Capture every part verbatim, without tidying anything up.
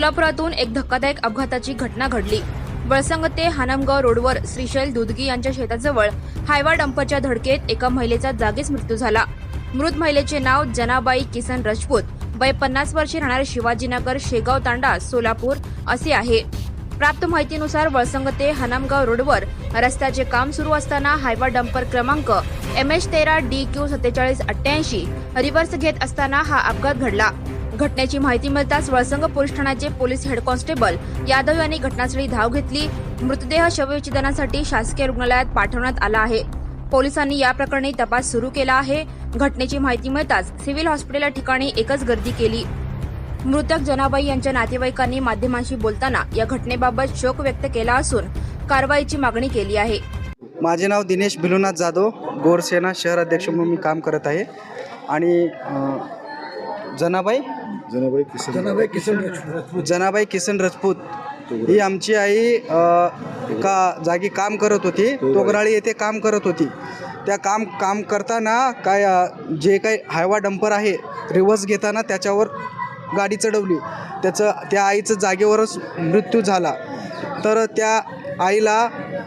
सोलापुरातून एक धक्कादायक अपघाताची घटना घडली। वळसंग ते हानमगाव रोडवर श्रीशैल दुधगी यांच्या शेताजवळ हायवा डंपरच्या धडकेत एका महिलेचा जागीच मृत्यू झाला। मृत महिलेचे नाव जनाबाई किसन राजपूत, वय पन्नास वर्षे, राहणारे शिवाजीनगर, शेगाव तांडा, सोलापूर असे आहे। प्राप्त माहितीनुसार वळसंग ते हानमगाव रोडवर रस्त्याचे काम सुरू असताना हायवा डंपर क्रमांक एम एच तेरा डी क्यू सत्तेचाळीस अठ्ठ्याऐंशी रिव्हर्स घेत असताना हा अपघात घडला। घटनेची माहिती मिळताच वळसंग पोलीस ठाण्याचे पोलीस हेड कॉन्स्टेबल यादव यांनी घटनास्थळी धाव घेतली। मृतदेह शवविच्छेदनासाठी शासकीय रुग्णालयात पाठवण्यात आला आहे। पोलिसांनी या प्रकरणी तपास सुरू केला आहे। घटनेची माहिती मिळताच सिव्हिल हॉस्पिटल ठिकाणी एकच गर्दी केली। मृतक जनाबाई यांच्या नातेवाईकांनी माध्यमांशी बोलताना या घटनेबाबत शोक व्यक्त केला असून कारवाईची मागणी केली आहे। माझे नाव दिनेश भिलुनाथ जाधव, गोरसेना शहर अध्यक्ष म्हणून मी काम करत आहे। आणि जनाबाई जनाबाई किसन जनाबाई किसन जनाबाई किसन राजपूत ही आमची आई का जागी काम करत होती, तोगराळी येथे काम करत होती। त्या काम काम करताना काय जे काही हायवा डंपर आहे रिव्हर्स घेताना त्याच्यावर गाडी चढवली, त्याचं त्या आईचं जागेवरच मृत्यू झाला। तर त्या आईला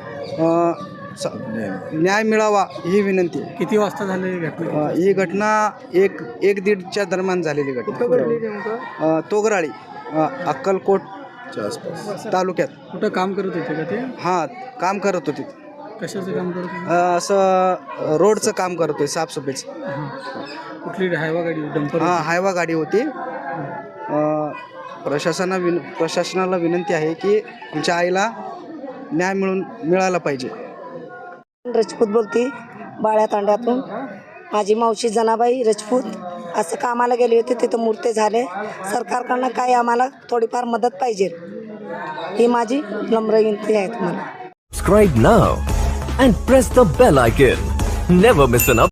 न्याय मिळावा ही विनंती। किती वाजता झाली घटना? ही घटना एक एक दीडच्या दरम्यान झालेली घटना, तोगराळी अक्कलकोटच्या आसपास तालुक्यात। कुठं काम करत होते का ते? हां, काम करत होते। कशाचं काम करत होते? असं रोडचं काम करत होते, साफसफाईचं। कुठली हायवा गाडी? डंपर? हां, हायवा गाडी होती। प्रशासना विन प्रशासनाला विनंती आहे की आमच्या आईला न्याय मिळून मिळाला पाहिजे। राजपूत बोलती, बाळ्या तांड्यातून। माझी मावशी जनाबाई राजपूत असं कामाला गेले होते, तिथं मूर्ती झाले। सरकारकडनं काय आम्हाला थोडीफार मदत पाहिजे ही माझी नम्र विनंती आहे तुम्हाला। Subscribe now and press the bell icon. Never miss an update.